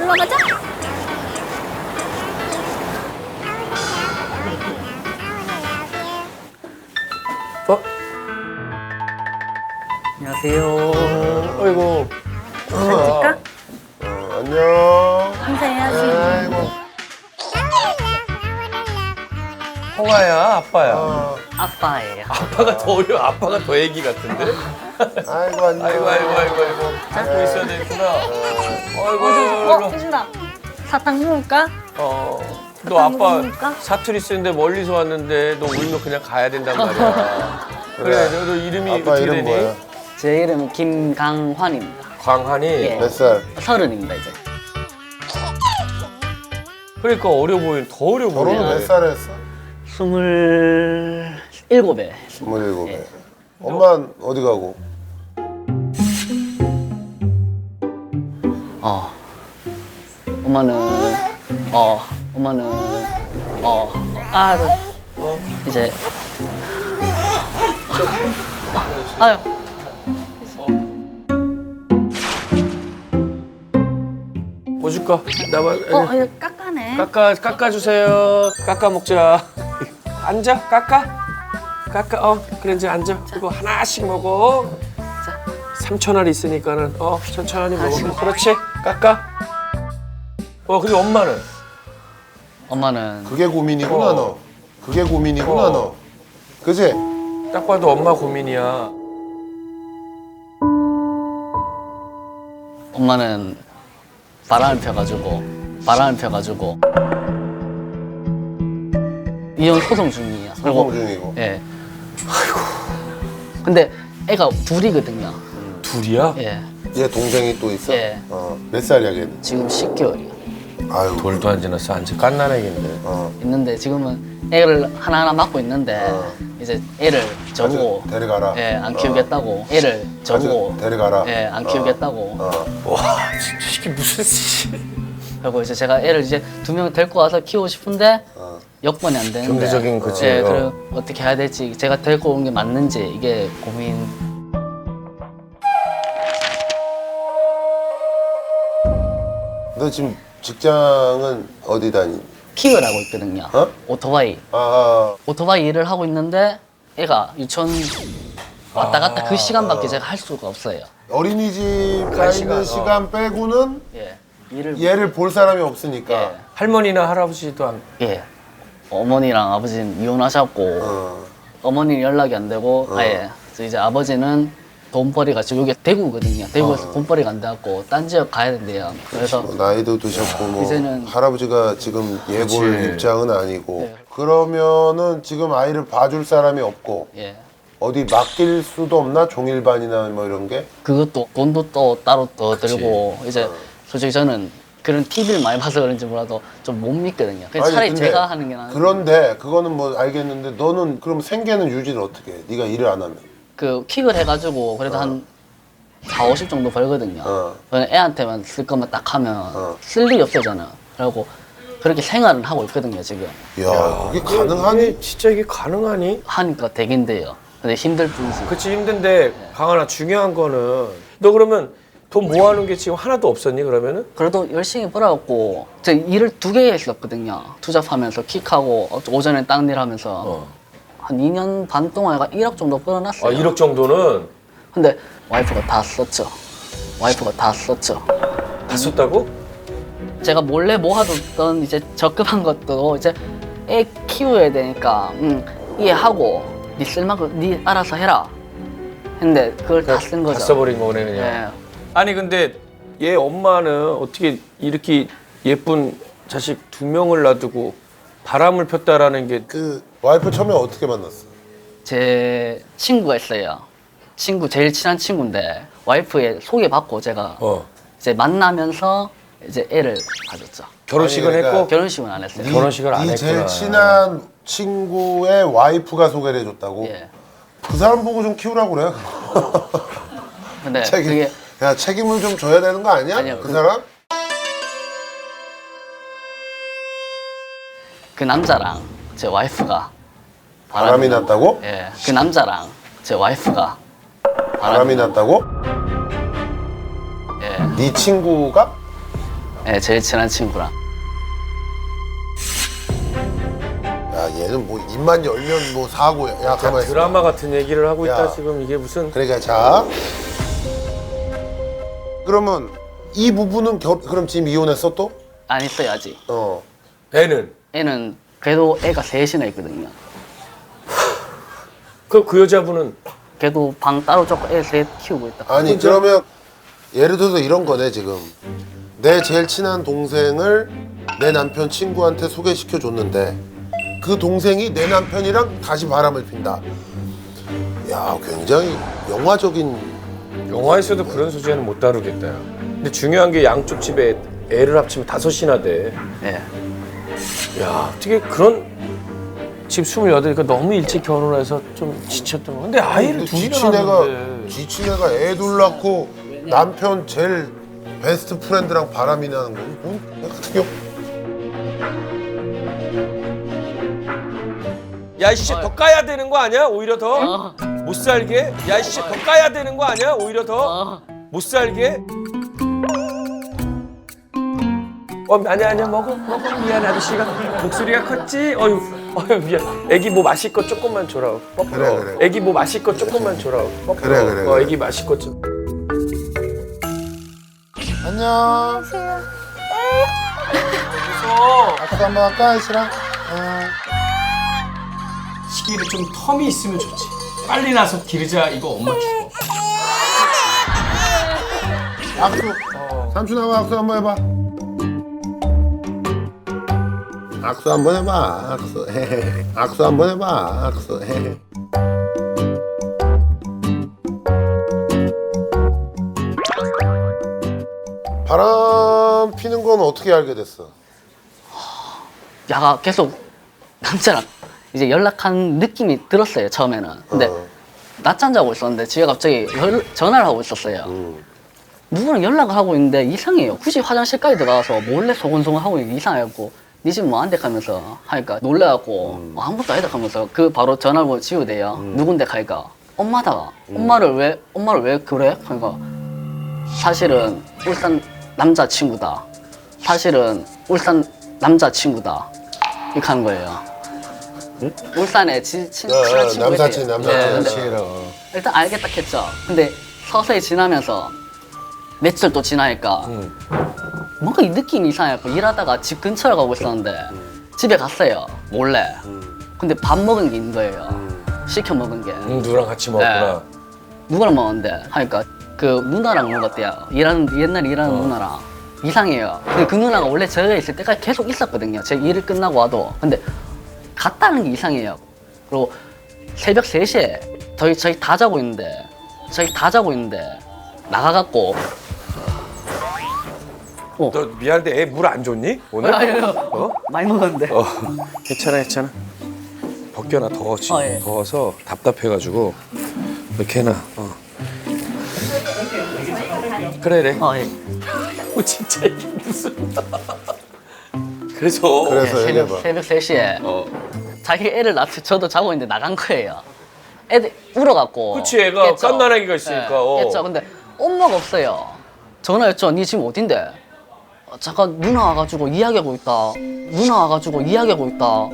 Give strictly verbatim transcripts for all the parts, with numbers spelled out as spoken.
일로 가자. 어? 안녕하세요. 어이구. 찍까? 어, 안녕. 인사해야지. 아이고. 홍아야, 아빠야. 어, 아빠예요. 아빠가 더 어려. 아빠가 더 애기 같은데? 아이고 안녕. 아이고, 아이고, 아이고, 아이고. 잡고 있어야 되겠구나. 어이구, 어, 어이구. 해준다. 사탕 먹을까? 어. 너 사탕 아빠 먹을까? 사투리 쓰는데 멀리서 왔는데 너 울면 그냥 가야 된단 말이야. 그래, 너, 너 이름이 아빠 어떻게 이름 되니? 뭐야? 제 이름은 김강환입니다. 광한이? 예. 몇 살? 서른입니다 이제. 그러니까 어려 보이는, 더 어려 보이네. 결혼은 몇 살에 했어? 스물일곱에. 스물일곱에. 예. 엄마는 어디 가고? 어. 엄마는 어. 엄마는 어. 아, 어. 이제. 아유. 뭐 줄까? 나만. 어, 이거 깎아네. 깎아, 깎아주세요. 깎아 먹자. 앉아, 깎아. 깎아, 어, 그래, 이제 앉아. 이거 하나씩 먹어. 자. 삼천 알 있으니까는, 어, 천천히 먹어. 그렇지, 깎아. 어, 근데 엄마는? 엄마는 그게 고민이구나 어. 너. 그게 고민이구나 어. 너. 그지? 딱 봐도 엄마 고민이야. 엄마는 바람을 펴가지고 바람을 펴가지고 이혼 소송 중이에요. 소송 중이고. 예. 아이고. 근데 애가 둘이거든요. 둘이야? 예. 얘 동생이 또 있어? 예. 어. 몇 살이야 걔는? 지금 십 개월이요. 아유. 돌도 안 지났어. 완전 깐난애기인데. 어. 있는데 지금은 애를 하나하나 맡고 있는데 어. 이제 애를 저보고 가져, 데려가라. 예, 안 키우겠다고. 애를 저보고 가져, 데려가라. 예, 안 어. 키우겠다고. 어. 와, 진짜 이게 무슨 씨. 그리고 이제 제가 애를 이제 두 명 데리고 와서 키우고 싶은데 어. 여건이 안 되는데. 경제적인 거지. 예, 어. 그래 어떻게 해야 될지 제가 데리고 온 게 맞는지 이게 고민. 너 지금 직장은 어디 다니? 킥을 하고 있거든요. 어? 오토바이. 아, 오토바이 일을 하고 있는데 애가 유치원 왔다 갔다 아. 그 시간밖에 제가 할 수가 없어요. 어린이집 가 갈 있는 시간, 어. 시간 빼고는 예. 일을 얘를 볼 사람이 없으니까. 예. 할머니나 할아버지도 안. 예. 어머니랑 아버지는 이혼하셨고 어. 어머니는 연락이 안 되고 어. 아예 그래서 이제 아버지는 돈벌이가 지금 여기 대구거든요. 대구에서 어. 돈벌이가 안 돼갖고 딴 지역 가야 된대요. 그래서 뭐 나이도 드셨고 뭐 이제는- 할아버지가 지금 얘 볼 그치. 입장은 아니고 네. 그러면은 지금 아이를 봐줄 사람이 없고 예. 어디 맡길 수도 없나? 종일반이나 뭐 이런 게? 그것도 돈도 또 따로 더 들고 이제 솔직히 저는 그런 티비를 많이 봐서 그런지 몰라도 좀 못 믿거든요. 그래서 아니, 차라리 근데 제가 하는 게 나은. 그런데 그거는 뭐 알겠는데 너는 그럼 생계는 유지를 어떻게 해? 네가 일을 안 하면? 그 킥을 해가지고 그래도 한 사오십 정도 벌거든요. 어. 그냥 애한테만 쓸 것만 딱 하면 어. 쓸 일이 없어잖아요. 그리고 그렇게 생활은 하고 있거든요 지금. 야, 그게 이게 가능하니? 진짜 이게 가능하니? 하니까 되긴 돼요. 근데 힘들 뿐이지. 그치, 힘든데, 강하나, 중요한 거는, 너 그러면 돈 모아놓은 게 지금 하나도 없었니, 그러면은? 그래도 열심히 벌어갖고 저 일을 두 개 했었거든요. 투잡하면서 킥하고 오전에 딴 일 하면서 어. 한 이 년 반 동안 얘가 일억 정도 아, 벌어놨어요. 일억 정도는 근데 와이프가 다 썼죠. 와이프가 다 썼죠. 다 썼다고? 제가 몰래 모아뒀던 이제 적금한 것도 이제 애 키워야 되니까 음, 이해하고 네 쓸만큼 네 알아서 해라 했는데 그걸 다 쓴 거죠. 다 써버린 거네, 그냥. 예. 아니, 근데 얘 엄마는 어떻게 이렇게 예쁜 자식 두 명을 놔두고 바람을 폈다라는 게 그 와이프 처음에 어떻게 만났어? 제 친구가 있어요. 친구 제일 친한 친구인데 와이프의 소개받고 제가 어. 이제 만나면서 이제 애를 가졌죠. 결혼식을 아니, 그러니까 했고 결혼식은 안 했어요. 네. 결혼식을 안 네 했구나. 제일 친한 친구의 와이프가 소개를 해줬다고? 예. 그 사람 보고 좀 키우라고 그래. 근데 책임, 그게 야, 책임을 좀 져야 되는 거 아니야? 아니요, 그 그- 사람? 그 남자랑 제 와이프가 바람이 났다고? 예. 그 남자랑 제 와이프가 바람이 났다고? 예. 네 친구가? 네, 제일 친한 친구랑. 야 얘는 뭐 입만 열면 뭐 사고야. 야 가만 있어. 드라마 같은 얘기를 하고 야. 있다 지금 이게 무슨 그러니까 자. 그러면 이 부부는 결 그럼 지금 이혼했어 또? 안 있어요 아직. 어. 애는 애는 그래도 애가 셋이나 있거든요. 그 그 여자분은 걔도 방 따로 줬고 애 셋 키우고 있다. 아니 그러면 예를 들어서 이런 거네 지금. 내 제일 친한 동생을 내 남편 친구한테 소개시켜 줬는데 그 동생이 내 남편이랑 다시 바람을 핀다. 야 굉장히 영화적인. 영화에서도 그런 소재는 못 다루겠다. 야. 근데 중요한 게 양쪽 집에 애를 합치면 다섯이나 돼. 네. 야 어떻게 그런 지금 스물여덟이니까 너무 일찍 결혼해서 좀 지쳤던 거. 근데 아이를 둘이나 지친 애가 낳는데. 지친 애가 애 둘 낳고 남편 제일 베스트 프렌드랑 바람이 나는 건 뭔 같은 경우. 야 이씨 더 까야 되는 거 아니야? 오히려 더 어. 못 살게. 야 이씨 더 까야 되는 거 아니야? 오히려 더 못 어. 살게. 어 아니야 아니야 먹어 먹어 미안 아저씨가 목소리가 컸지. 어유 어유 미안. 애기 뭐 마실 거 조금만 줘라. 뻐 그래, 그래. 애기 뭐 마실 거 조금만 줘라. 뻐 그래, 그래, 어 그래. 애기 마실 거 좀. 안녕. 무서워. 아까 한번 할까 이씨랑? 어. 시기를 좀 텀이 있으면 좋지. 빨리 나서 기르자 이거 엄마 죽어. 악수. 삼촌하고 악수 한번 해봐. 악수 한번 해봐. 악수. 헤헤. 악수 한번 해봐. 악수. 헤헤. 바람 피는 건 어떻게 알게 됐어? 야가 계속 남자랑 이제 연락한 느낌이 들었어요 처음에는. 근데 어. 낮잠 자고 있었는데 집에 갑자기 열, 전화를 하고 있었어요. 음. 누구랑 연락을 하고 있는데 이상해요. 굳이 화장실까지 들어가서 몰래 소곤소곤 하고 있는 게 이상해갖고 네 집 뭐 안 돼? 하면서 하니까 놀래갖고 음. 어, 아무것도 아니다 하면서 그 바로 전화를 지우대요. 누군데 가니까 엄마다. 엄마를 왜 엄마를 왜 그래? 그러니까 사실은 울산 남자친구다. 사실은 울산 남자친구다. 이렇게 하는 거예요. 울산에 친, 친, 어, 친한 어, 친구 남사친, 있대요. 남사친. 네, 근데 일단 알겠다 했죠. 근데 서서히 지나면서 며칠 또 지나니까 뭔가 이 느낌이 이상해갖고 일하다가 집 근처에 가고 있었는데 집에 갔어요 몰래. 근데 밥 먹은 게 있는 거예요. 시켜 먹은 게. 응, 누구랑 같이 먹었구나. 누구랑 먹었는데 하니까 그 누나랑 먹었대요. 일하는 옛날에 일하는 누나랑. 이상해요. 근데 그 누나가 원래 저에 있을 때까지 계속 있었거든요. 제 일을 끝나고 와도. 근데 갔다는 게 이상해요. 그리고 새벽 세 시에 저희 저희 다 자고 있는데 저희 다 자고 있는데 나가갖고 어. 너 미안한데 애 물 안 줬니? 오늘? 아니, 아니, 어? 많이 먹었는데. 어. 괜찮아 괜찮아. 벗겨놔 더워 지금. 어, 예. 더워서 답답해가지고 이렇게 해놔. 어. 그래 그래. 어, 예. 어, 진짜 이게 무슨. 그래서. 그래서 새벽, 얘기해봐. 새벽 세 시에 어. 자기 애를 낳고 저도 자고 있는데 나간 거예요. 애들 울어갖고. 그치, 애가 갓난아기가 있으니까, 어. 깼죠. 근데 엄마가 없어요. 전화했죠. 니 지금 어딘데? 어, 잠깐 누나 와가지고 이야기하고 있다. 누나 와가지고 이야기하고 있다.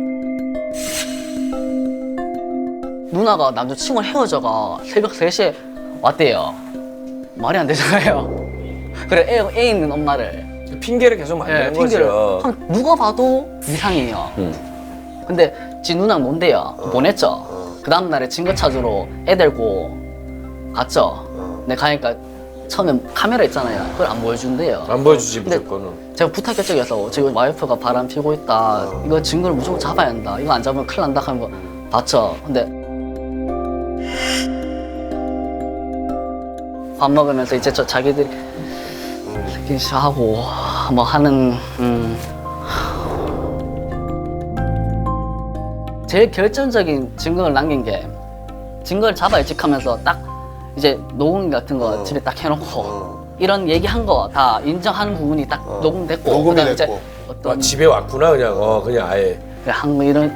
누나가 남자친구랑 헤어져가 새벽 세 시에 왔대요. 말이 안 되잖아요. 그래 애, 애 있는 엄마를 핑계를 계속 만드는 예, 핑계를 거죠. 한 누가 봐도 이상해요. 응. 근데 지 누나는 뭔데요? 보냈죠. 그 다음 날에 증거 찾으러 애 데리고 갔죠. 근데 가니까 처음에 카메라 있잖아요. 그걸 안 보여준대요. 안 보여주지 근데 무조건은. 제가 부탁했죠. 그래서 지금 와이프가 바람 피고 있다. 이거 증거를 무조건 잡아야 한다. 이거 안 잡으면 큰일 난다 하는 거 봤죠. 근데 밥 먹으면서 이제 저 자기들이 하고 뭐 하는 음. 제일 결정적인 증거를 남긴 게 증거를 잡아야지 하면서 딱 이제 녹음 같은 거 어. 집에 딱 해놓고 어. 이런 얘기한 거 다 인정하는 부분이 딱 어. 녹음됐고 녹음이 그다음에 이제 됐고. 아, 어떤 집에 왔구나 그냥. 어 그냥 아예. 한 뭐 이런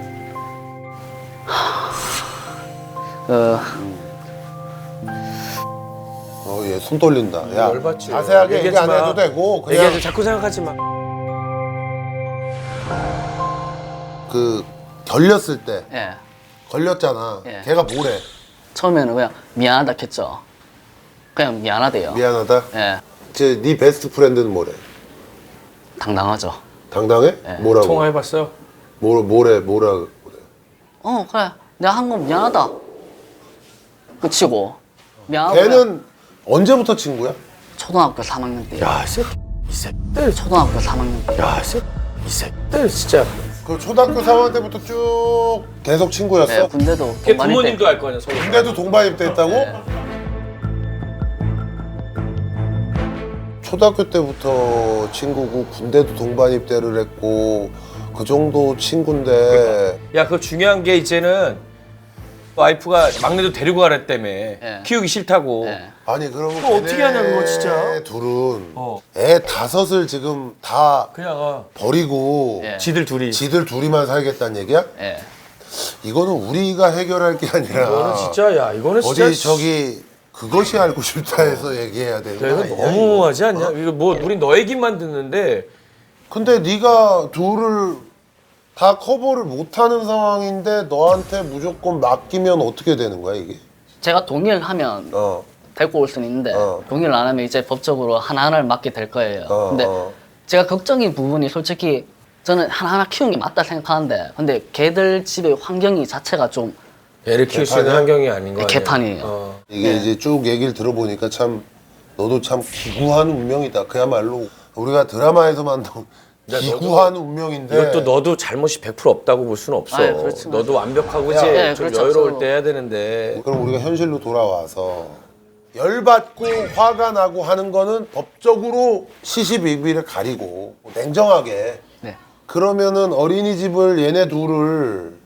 하... 그 어. 어얘 손 떨린다. 야 열받지. 자세하게 얘기 얘기하지 안 마. 해도 되고 그냥 얘기하지 자꾸 생각하지 마. 그 걸렸을 때 예. 걸렸잖아. 예. 걔가 뭐래? 처음에는 그냥 미안하다 했죠. 그냥 미안하대요. 미안하다. 예. 제 네 베스트 프렌드는 뭐래? 당당하죠. 당당해? 예. 뭐라고? 통화해봤어요? 뭐 뭐래 뭐라 그래? 어 그래 내가 한 건 미안하다. 끝이고 미안하고. 그냥 걔는 언제부터 친구야? 초등학교 삼 학년 때. 야, 이 새끼, 이 새끼들, 초등학교 삼 학년 때. 야, 이 새끼, 이 새끼들 진짜. 그 초등학교 삼 학년 때부터 쭉 계속 친구였어? 예, 군대도 걔 동반일 부모님도 때. 알 거 아니야, 서로. 군대도 동반 입대했다고? 예. 초등학교 때부터 친구고 군대도 동반 입대를 했고 그 정도 친구인데 야, 그 중요한 게 이제는 와이프가 막내도 데리고 가랬다며. 예. 키우기 싫다고. 예. 아니 그러면 그거 어떻게 하냐, 그거 진짜. 둘은 어. 애 다섯을 지금 다 그냥 어. 버리고 예. 지들 둘이. 지들 둘이만 살겠다는 얘기야? 예. 이거는 우리가 해결할 게 아니라 이거는 진짜, 야, 이거는 진짜. 어디 저기 그것이 알고 싶다 해서 얘기해야 되는 야, 거 이거 아니야? 너무하지 않냐? 이거 뭐 우리 너 얘기만 듣는데 근데 네가 둘을 다 커버를 못하는 상황인데 너한테 무조건 맡기면 어떻게 되는 거야 이게? 제가 동의를 하면 어, 데리고 올 수는 있는데 어. 동의를 안 하면 이제 법적으로 하나하나를 맡게 될 거예요. 어, 근데 어. 제가 걱정인 부분이 솔직히 저는 하나하나 키우는 게 맞다 생각하는데 근데 걔들 집의 환경이 자체가 좀 애를 키울 수 있는 개판이야? 환경이 아닌 거 아니야? 개판이에요. 어. 이게 네. 이제 쭉 얘기를 들어보니까 참 너도 참 기구한 운명이다. 그야말로 우리가 드라마에서만 나온 야, 기구한 운명인데 이것도 너도 잘못이 백 퍼센트 없다고 볼 수는 없어. 아유, 그렇지, 너도 완벽하고 야, 이제 네, 좀 그렇죠. 여유로울 서로. 때 해야 되는데. 그럼 우리가 현실로 돌아와서 열받고 화가 나고 하는 거는 법적으로 시시비비를 가리고 냉정하게 네. 그러면은 어린이집을 얘네 둘을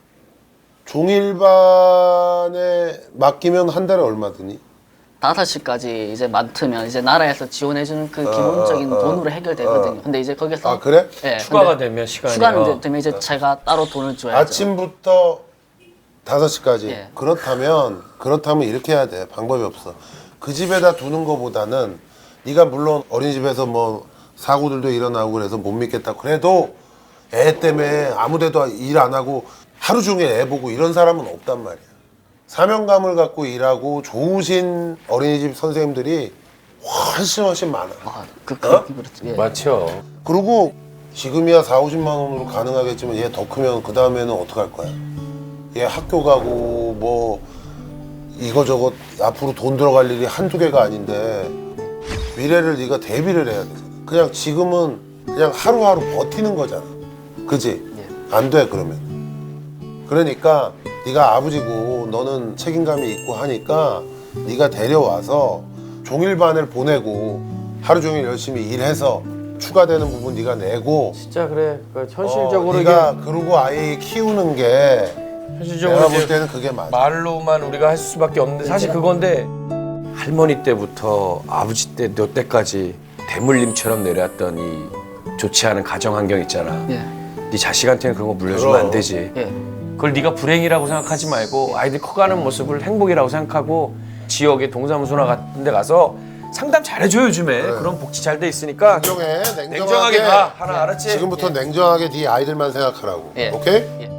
종일반에 맡기면 한 달에 얼마 드니? 다섯 시까지 이제 맡으면 이제 나라에서 지원해주는 그 기본적인 어, 어, 돈으로 해결되거든요. 어. 근데 이제 거기서 아 그래? 예, 추가가 근데 되면 시간이. 추가는 어. 이제 되면 이제 제가 따로 돈을 줘야죠. 아침부터 다섯 시까지. 예. 그렇다면 그렇다면 이렇게 해야 돼. 방법이 없어. 그 집에다 두는 거보다는 네가 물론 어린이집에서 뭐 사고들도 일어나고 그래서 못 믿겠다. 그래도 애 때문에 아무데도 일 안 하고 하루 종일 애 보고 이런 사람은 없단 말이야. 사명감을 갖고 일하고 좋으신 어린이집 선생님들이 훨씬 훨씬 많아. 아, 그, 그, 어? 그렇죠. 예. 맞죠. 그리고 지금이야 사오십만 원으로 가능하겠지만 얘 더 크면 그 다음에는 어떡할 거야? 얘 학교 가고 뭐 이거저거 앞으로 돈 들어갈 일이 한두 개가 아닌데 미래를 네가 대비를 해야 되잖아. 그냥 지금은 그냥 하루하루 버티는 거잖아. 그지? 안 돼 그러면. 그러니까 네가 아버지고 너는 책임감이 있고 하니까 네가 데려와서 종일반을 보내고 하루 종일 열심히 일해서 추가되는 부분 네가 내고 진짜 그래. 그 어, 현실적으로 네가 이게 그러고 아이 키우는 게 현실적으로 내가 볼 이제 때는 그게 맞아. 말로만 우리가 할 수밖에 없는데 사실 그건데 할머니 때부터 아버지 때 너 때까지 대물림처럼 내려왔던 이 좋지 않은 가정 환경 있잖아. 예. 네 자식한테는 그런 거 물려주면 그럼. 안 되지. 예. 그걸 네가 불행이라고 생각하지 말고 아이들 커가는 모습을 행복이라고 생각하고 지역의 동사무소나 같은 데 가서 상담 잘해줘 요즘에. 그런 복지 잘 돼 있으니까 냉정해, 냉정하게, 냉정하게 가. 하나 알았지? 지금부터 냉정하게 네 아이들만 생각하라고. 예. 오케이? 예.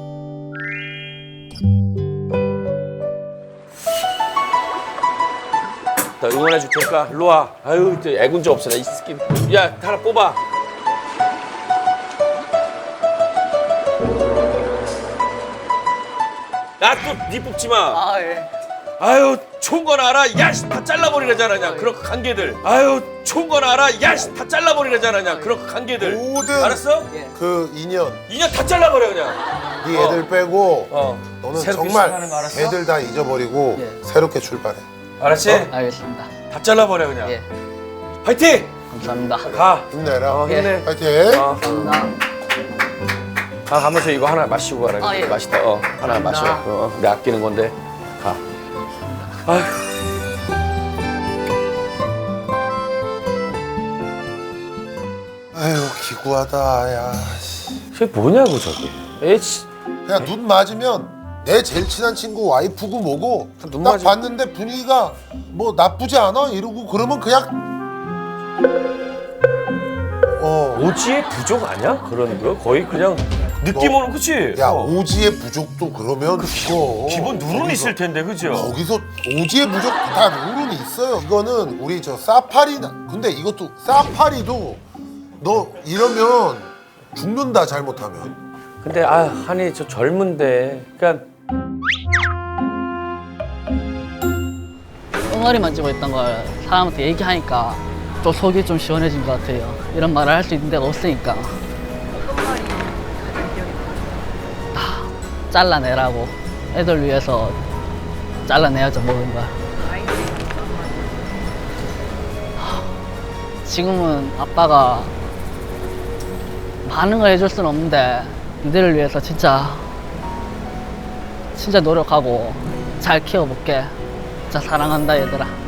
나 응원해 줄 테니까 일로 와. 아유, 또 애군자 없어. 나이 스킨. 야, 하나 뽑아. 야, 또 니 뽑지 마. 아 예. 아유, 좋은 건 알아. 야, 씨, 다 잘라버리려잖아, 그냥. 그런 관계들. 아유, 좋은 건 알아. 야, 씨, 다 잘라버리려잖아, 그냥. 그런 관계들. 모든 알았어? 예. 그 인연 인연 다 잘라버려, 그냥. 네 어. 애들 빼고 어. 너는 새롭게 정말 시작하는 거 알았어? 애들 다 잊어버리고 예. 새롭게 출발해. 알았지? 알겠습니다. 다 잘라버려, 그냥. 예. 화이팅! 감사합니다. 가. 힘내라. 어, 힘내. 파이팅. 어. 감사합니다. 가 가면서 이거 하나 마시고 가라. 아, 예. 맛있다. 어, 하나 마셔. 감사합니다. 어, 내 아끼는 건데. 가. 아휴. 아유 기구하다. 야. 씨. 저게 뭐냐고 저게. 에이씨. 그냥 눈 맞으면 내 제일 친한 친구 와이프고 뭐고 눈 딱 맞아. 봤는데 분위기가 뭐 나쁘지 않아 이러고 그러면 그냥 어. 오지의 부족 아니야? 그런 거 거의 그냥 느낌으로 그치? 야 어. 오지의 부족도 그러면 그거 기본 누른 있을 텐데 그죠? 거기서 오지의 부족 다 룰은 있어요. 이거는 우리 저 사파리나 근데 이것도 사파리도 너 이러면 죽는다 잘못하면. 근데 아 한이 저 젊은데 그러니까 엉어리만 찌고 있던 걸 사람한테 얘기하니까 좀 속이 좀 시원해진 것 같아요. 이런 말을 할 수 있는 데가 없으니까. 다 잘라내라고. 애들 위해서 잘라내야죠, 모든 걸. 지금은 아빠가 많은 걸 해줄 수는 없는데 니들을 위해서 진짜 진짜 노력하고 잘 키워볼게. 진짜 사랑한다 얘들아.